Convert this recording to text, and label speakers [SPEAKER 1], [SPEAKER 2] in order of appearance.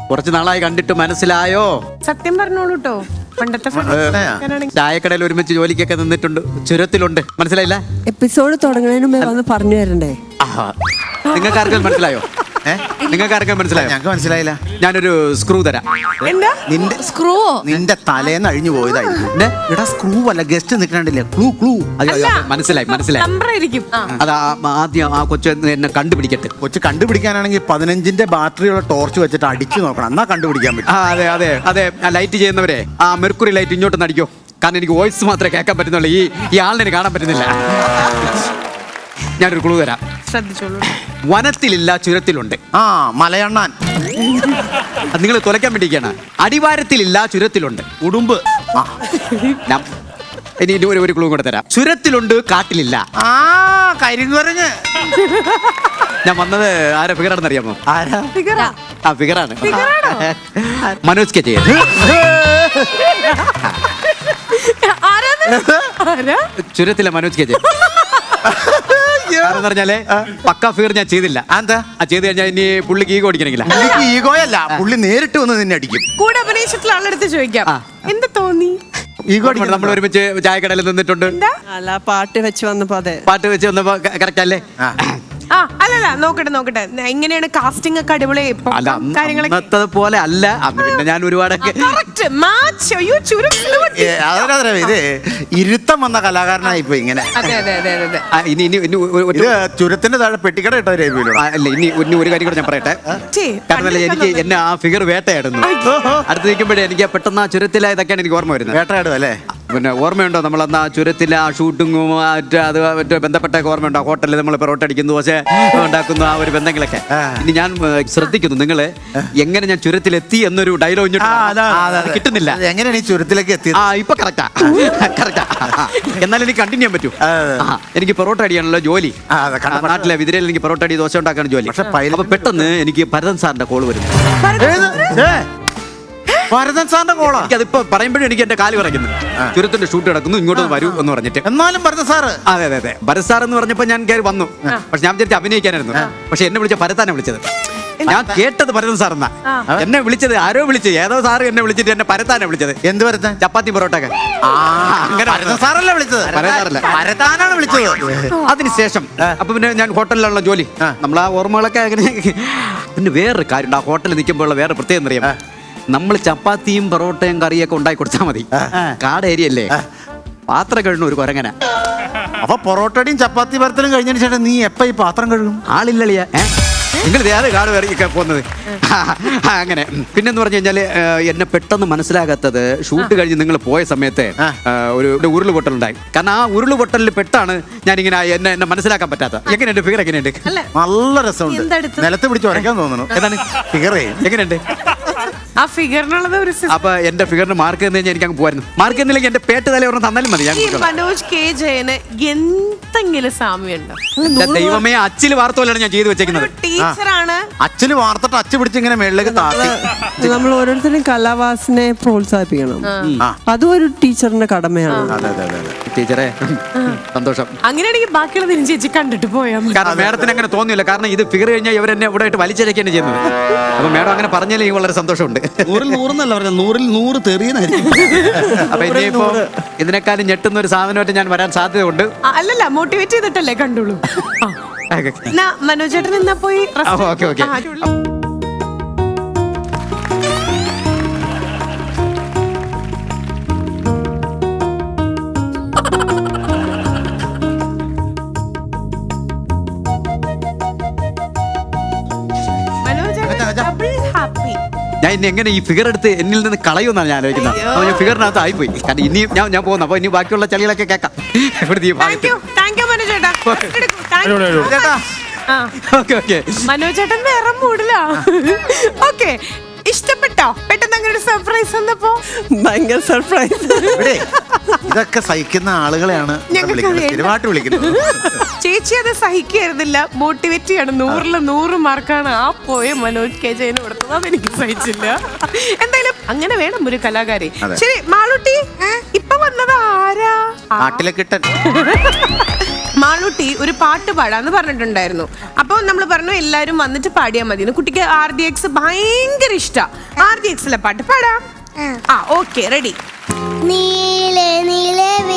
[SPEAKER 1] കുറച്ച് നാളായി കണ്ടിട്ട് മനസ്സിലായോ?
[SPEAKER 2] സത്യം പറഞ്ഞോളൂ കേട്ടോ. പണ്ടത്തെ
[SPEAKER 1] ചായക്കടയിൽ ഒരുമിച്ച് ജോലിക്കൊക്കെ നിന്നിട്ടുണ്ട്. ചുരത്തിലുണ്ട്. മനസ്സിലായില്ല?
[SPEAKER 3] എപ്പിസോഡ് തുടങ്ങുന്നതിന് മുമ്പേ വന്ന് പറഞ്ഞു തരണ്ടേ?
[SPEAKER 1] നിങ്ങൾക്ക് ആർക്കും മനസ്സിലായോ? നിങ്ങൾക്ക് ആർക്കും മനസ്സിലായോ?
[SPEAKER 4] ഞങ്ങൾക്ക് മനസ്സിലായില്ല.
[SPEAKER 1] ഞാനൊരു സ്ക്രൂ തരാം.
[SPEAKER 4] നിന്റെ
[SPEAKER 5] സ്ക്രൂവോ?
[SPEAKER 4] നിന്റെ തലേന്ന് അഴിഞ്ഞു പോയതായിരിക്കും. എടാ സ്ക്രൂ അല്ല, ഗസ്റ്റ് നിൽക്കണ്ടില്ലേ? ക്ലൂ.
[SPEAKER 1] മനസ്സിലായി.
[SPEAKER 2] നമ്പറായിരിക്കും.
[SPEAKER 1] അത് ആദ്യം ആ കൊച്ചു എന്നെ കണ്ടുപിടിക്കട്ടെ.
[SPEAKER 4] കൊച്ചു കണ്ടുപിടിക്കാനാണെങ്കിൽ 15ന്റെ ബാറ്ററിയുള്ള ടോർച്ച് വെച്ചിട്ട് അടിച്ചു നോക്കണം, എന്നാ കണ്ടുപിടിക്കാൻ പറ്റും.
[SPEAKER 1] അതെ ലൈറ്റ് ചെയ്യുന്നവരെ ആ മെർക്കുറി ലൈറ്റ് ഇങ്ങോട്ടൊന്ന് അടിക്കോ. കാരണം എനിക്ക് വോയിസ് മാത്രമേ കേൾക്കാൻ പറ്റുന്നുള്ളൂ. ഈ ആളിനെ കാണാൻ പറ്റുന്നില്ല. ഞാനൊരു ക്ലൂ തരാം.
[SPEAKER 2] ശ്രദ്ധിച്ചോളൂ.
[SPEAKER 1] വനത്തിലില്ല, ചുരത്തിലുണ്ട്.
[SPEAKER 4] മലയണ്ണാൻ.
[SPEAKER 1] നിങ്ങൾ തുലയ്ക്കാൻ വേണ്ടിയിരിക്കുകയാണ്. അടിവാരത്തിലില്ല, ചുരത്തിലുണ്ട്.
[SPEAKER 4] ഉടുമ്പ്.
[SPEAKER 1] ഇനി ഒരു ക്ലൂ കൂടെ തരാം. ചുരത്തിലുണ്ട്, കാട്ടിലില്ല.
[SPEAKER 4] കരിങ്കുരങ്ങ്.
[SPEAKER 1] ഞാൻ വന്നത് ആരെ ഫിഗറാണെന്ന് അറിയാമോ?
[SPEAKER 4] ആരാ?
[SPEAKER 1] ആ ഫിഗറാണ്. മനോജ് കെ ജയൻ. ചുരത്തിലെ മനോജ് കെ ജയൻ. കാരണം പറഞ്ഞാലേ പക്കാ ഫിഗർ ഞാൻ ചെയ്തില്ല.
[SPEAKER 4] എന്താ
[SPEAKER 1] ചെയ്ത് കഴിഞ്ഞാൽ ഇനി പുള്ളിക്ക് ഈഗോ അടിക്കണമെങ്കില.
[SPEAKER 4] ഈഗോയല്ല, പുള്ളി നേരിട്ട് വന്ന് നിന്നെ അടിക്കും.
[SPEAKER 2] കൂടെ അഭിനയിച്ചിട്ടുള്ള ആളെടുത്ത് ചോദിക്കാം, എന്താ തോന്നി?
[SPEAKER 4] ഈഗോ
[SPEAKER 1] നമ്മൾ ഒരുമിച്ച് ചായക്കടയിൽ നിന്നിട്ടുണ്ട്.
[SPEAKER 3] അല്ല, പാട്ട് വെച്ച് വന്നപ്പോ അതെ
[SPEAKER 1] പാട്ട് വെച്ച് വന്നപ്പോ കറക്റ്റ് അല്ലേ?
[SPEAKER 2] അല്ലല്ല, നോക്കട്ടെ. എങ്ങനെയാണ് കാസ്റ്റിംഗ് ഒക്കെ അടിപൊളി
[SPEAKER 1] അന്നത്തെ പോലെ അല്ല. അന്ന് പിന്നെ ഞാൻ ഒരുപാടൊക്കെ
[SPEAKER 4] ഇത് ഇരുത്തം വന്ന കലാകാരനായി ഇപ്പൊ ഇങ്ങനെ.
[SPEAKER 1] ഇനി
[SPEAKER 4] ചുരത്തിന്റെ താഴെ പെട്ടിക്കട ഇട്ട
[SPEAKER 1] അല്ല, ഇനി ഒരു കാര്യം കൂടെ ഞാൻ പറയട്ടെ. കാരണം എനിക്ക് എന്നെ ആ ഫിഗർ വേട്ടയായിരുന്നു. അടുത്ത് നിൽക്കുമ്പോഴേ എനിക്ക് പെട്ടെന്ന് ആ ചുരത്തിലെ ഇതൊക്കെയാണ് എനിക്ക് ഓർമ്മ വരുന്നത്.
[SPEAKER 4] വേട്ടയാടും അല്ലേ?
[SPEAKER 1] പിന്നെ ഓർമ്മയുണ്ടോ നമ്മളന്ന് ആ ചുരത്തിലെ ആ ഷൂട്ടിങ്ങും മറ്റേ ബന്ധപ്പെട്ടൊക്കെ ഓർമ്മയുണ്ടോ? ഹോട്ടലിൽ നമ്മൾ പൊറോട്ട അടിക്കുന്നു, ദോശ ഉണ്ടാക്കുന്നു, ആ ഒരു ബന്ധങ്ങളൊക്കെ. ഇനി ഞാൻ ശ്രദ്ധിക്കുന്നു നിങ്ങള് എങ്ങനെ ഞാൻ ചുരത്തിലെത്തി എന്നൊരു ഡയലോഗ് കിട്ടുന്നില്ല.
[SPEAKER 4] എങ്ങനെയാണ് ഈ ചുരത്തിലേക്ക് എത്തിയത്?
[SPEAKER 1] ഇപ്പൊ കറക്റ്റാ. എന്നാലും എനിക്ക് കണ്ടിന്യൂ ചെയ്യാൻ പറ്റൂ. എനിക്ക് പൊറോട്ട അടിയാണല്ലോ ജോലി. നാട്ടിലെ വിതിരയിൽ എനിക്ക് പൊറോട്ട അടി, ദോശ ഉണ്ടാക്കാണ് ജോലി. അപ്പൊ പെട്ടെന്ന് എനിക്ക് ഭരതൻ സാറിന്റെ കോള് വരുന്നു.
[SPEAKER 4] ഭരതൻ സാറിന്റെ കോളാ?
[SPEAKER 1] അതിപ്പോ പറയുമ്പോഴും എനിക്ക് എന്റെ കാല് പറയുന്നു. ചുരത്തിന്റെ ഷൂട്ട് കിടക്കുന്നു, ഇങ്ങോട്ട് വരൂ എന്ന് പറഞ്ഞിട്ട്.
[SPEAKER 4] എന്നാലും ഭരതൻ സാറ്?
[SPEAKER 1] അതെ ഭരത് സാർ എന്ന് പറഞ്ഞപ്പോ ഞാൻ കയറി വന്നു. പക്ഷെ ഞാൻ വിചാരിച്ചു അഭിനയിക്കാനായിരുന്നു. പക്ഷെ എന്നെ വിളിച്ച ഭരതാനെ വിളിച്ചത്. ഞാൻ കേട്ടത് ഭരതൻ സാർ എന്നാ. എന്നെ വിളിച്ചത് ആരോ വിളിച്ചത്, ഏതോ സാറ് എന്നെ വിളിച്ചിട്ട് എന്നെ ഭരതാനെ വിളിച്ചത്.
[SPEAKER 4] എന്ത് ഭരതൻ?
[SPEAKER 1] ചപ്പാത്തി പൊറോട്ട ഒക്കെ.
[SPEAKER 4] അങ്ങനെ ഭരതൻ സാറല്ല വിളിച്ചത്, ഭരതാനാണ് വിളിച്ചത്.
[SPEAKER 1] അതിനുശേഷം അപ്പൊ പിന്നെ ഞാൻ ഹോട്ടലിലുള്ള ജോലി, നമ്മൾ ആ ഓർമ്മകളൊക്കെ അങ്ങനെ. പിന്നെ വേറൊരു കാര്യം, ആ ഹോട്ടലിൽ നിൽക്കുമ്പോഴുള്ള വേറെ പ്രത്യേകം അറിയാം. നമ്മൾ ചപ്പാത്തിയും പൊറോട്ടയും കറിയൊക്കെ ഉണ്ടാക്കി കൊടുത്താൽ മതി. കാട് ഏരിയ അല്ലേ, പാത്രം കഴുകുന്ന ഒരു കൊരങ്ങന.
[SPEAKER 4] അപ്പൊ പൊറോട്ടയും ചപ്പാത്തി പരത്തലും കഴിഞ്ഞതിന് ശേഷം നീ എപ്പ ഈ പാത്രം കഴുകും?
[SPEAKER 1] ആളില്ലളിയ നിങ്ങൾ വേറെ കാട് കയറിയൊക്കെ പോകുന്നത് അങ്ങനെ. പിന്നെന്ന് പറഞ്ഞു കഴിഞ്ഞാല് എന്നെ പെട്ടെന്ന് മനസ്സിലാകാത്തത്, ഷൂട്ട് കഴിഞ്ഞ് നിങ്ങൾ പോയ സമയത്ത് ഒരു ഉരുള് പൊട്ടലുണ്ടായി. കാരണം ആ ഉരുള് പൊട്ടലിൽ പെട്ടാണ് ഞാനിങ്ങനെ എന്നെ മനസ്സിലാക്കാൻ പറ്റാത്ത. എങ്ങനെയുണ്ട് ഫിഗർ? എങ്ങനെയുണ്ട്?
[SPEAKER 4] നല്ല രസമുണ്ട്. നിലത്ത് പിടിച്ച് വരയ്ക്കാൻ തോന്നുന്നു.
[SPEAKER 1] ഏതാണ്
[SPEAKER 4] ഫിഗറേ?
[SPEAKER 1] എങ്ങനെയുണ്ട്
[SPEAKER 2] ആ ഫിഗറിനുള്ളത്?
[SPEAKER 1] അപ്പൊ എന്റെ ഫിഗറിന് മാർക്ക് തന്നെ എനിക്ക് അങ്ങ് പോയിരുന്നു. മാർക്ക് എന്നില്ലെങ്കിൽ എന്റെ പേട്ട് തല ഒരെണ്ണം തന്നാലും മതി.
[SPEAKER 2] മനോജ് കെ ജയന് എന്തെങ്കിലും സാമ്യമുണ്ടോ?
[SPEAKER 1] ദൈവമേ, അച്ചില് വാർത്ത പോലെയാണ് ഞാൻ ചെയ്തു വെച്ചേക്കുന്നത്.
[SPEAKER 2] ടീച്ചറാണ്.
[SPEAKER 4] അച്ഛന് വാർത്തിട്ട് അച്ഛ പിടിച്ച് ഇങ്ങനെ മേളിലേക്ക് താത്തി.
[SPEAKER 3] നമ്മൾ ഓരോരുത്തരും കലാവാസനെ പ്രോത്സാഹിപ്പിക്കണം. അതും ഒരു ടീച്ചറിന്റെ കടമയാണ്.
[SPEAKER 1] ടീച്ചറെ സന്തോഷം.
[SPEAKER 2] അങ്ങനെയാണെങ്കിൽ ബാക്കിയുള്ള ചേച്ചി കണ്ടിട്ട് പോയാൽ മതി.
[SPEAKER 1] കാരണം മേഡത്തിന് അങ്ങനെ തോന്നിയില്ല. കാരണം ഇത് ഫിഗർ കഴിഞ്ഞാൽ ഇവരെന്നെ ഇവിടെ ആയിട്ട് വലിച്ചഴക്കാണ് ചെയ്യുന്നത്. അപ്പൊ മേഡം അങ്ങനെ പറഞ്ഞാൽ എനിക്ക് വളരെ സന്തോഷമുണ്ട്.
[SPEAKER 4] 100-ൽ 100 പറഞ്ഞ 100-ൽ 100 തെറിയെന്നായിരിക്കും.
[SPEAKER 1] അപ്പൊ ഇനിയിപ്പോ ഇതിനേക്കാളും ഞെട്ടുന്ന ഒരു സാധനമായിട്ട് ഞാൻ വരാൻ സാധ്യതയുണ്ട്.
[SPEAKER 2] അല്ലല്ല, മോട്ടിവേറ്റ് ചെയ്തിട്ടല്ലേ കണ്ടുള്ളൂ. മനോജ് ചേട്ടൻ എന്നാ പോയി.
[SPEAKER 1] ഓക്കെ. ഞാൻ ഇനി എങ്ങനെ ഈ ഫിഗർ എടുത്ത് എന്നിൽ നിന്ന് കളയുമെന്നാണ് ഞാൻ ആലോചിക്കുന്നത്. അപ്പൊ ഞാൻ ഫിഗറിനകത്ത് ആയിപ്പോയി. കാരണം ഇനിയും ഞാൻ പോകുന്നു. അപ്പൊ ഇനി ബാക്കിയുള്ള ചളികളൊക്കെ കേൾക്കാം.
[SPEAKER 2] മനോജ് ചേട്ടൻ വേറെ മൂടില്ല. ഓക്കെ, ഇഷ്ടപ്പെട്ടോ? പെട്ടെന്ന് അങ്ങനെ ഒരു സർപ്രൈസ് വന്നപ്പോ
[SPEAKER 3] ഭയങ്കര സർപ്രൈസ്.
[SPEAKER 4] ഇതൊക്കെ സഹിക്കുന്ന ആളുകളെയാണ് സ്ഥിരമായിട്ട് വിളിക്കുന്നത്.
[SPEAKER 2] ചേച്ചി അത് സഹിക്കായിരുന്നില്ല, മോട്ടിവേറ്റ് ചെയ്യാണ്. 100-ൽ 100 മാർക്കാണ് ആ പോയ മനോജ് കെ ജയന് കൊടുത്തത്. അതെനിക്ക് സഹിച്ചില്ല. എന്തായാലും അങ്ങനെ വേണം ഒരു കലാകാരി. ശരി മാളൂട്ടി, ഇപ്പൊ വന്നത് ആരാ?
[SPEAKER 4] നാട്ടിലെ കിട്ടൻ.
[SPEAKER 2] മാളൂട്ടി ഒരു പാട്ട് പാടാന്ന് പറഞ്ഞിട്ടുണ്ടായിരുന്നു. അപ്പോൾ നമ്മൾ പറഞ്ഞു എല്ലാരും വന്നിട്ട് പാടിയാൽ മതി. കുട്ടിക്ക് RDX ഭയങ്കര ഇഷ്ടാ. RDXലെ പാട്ട് പാടാം. Okay, ready.
[SPEAKER 5] നീലേ നീലേ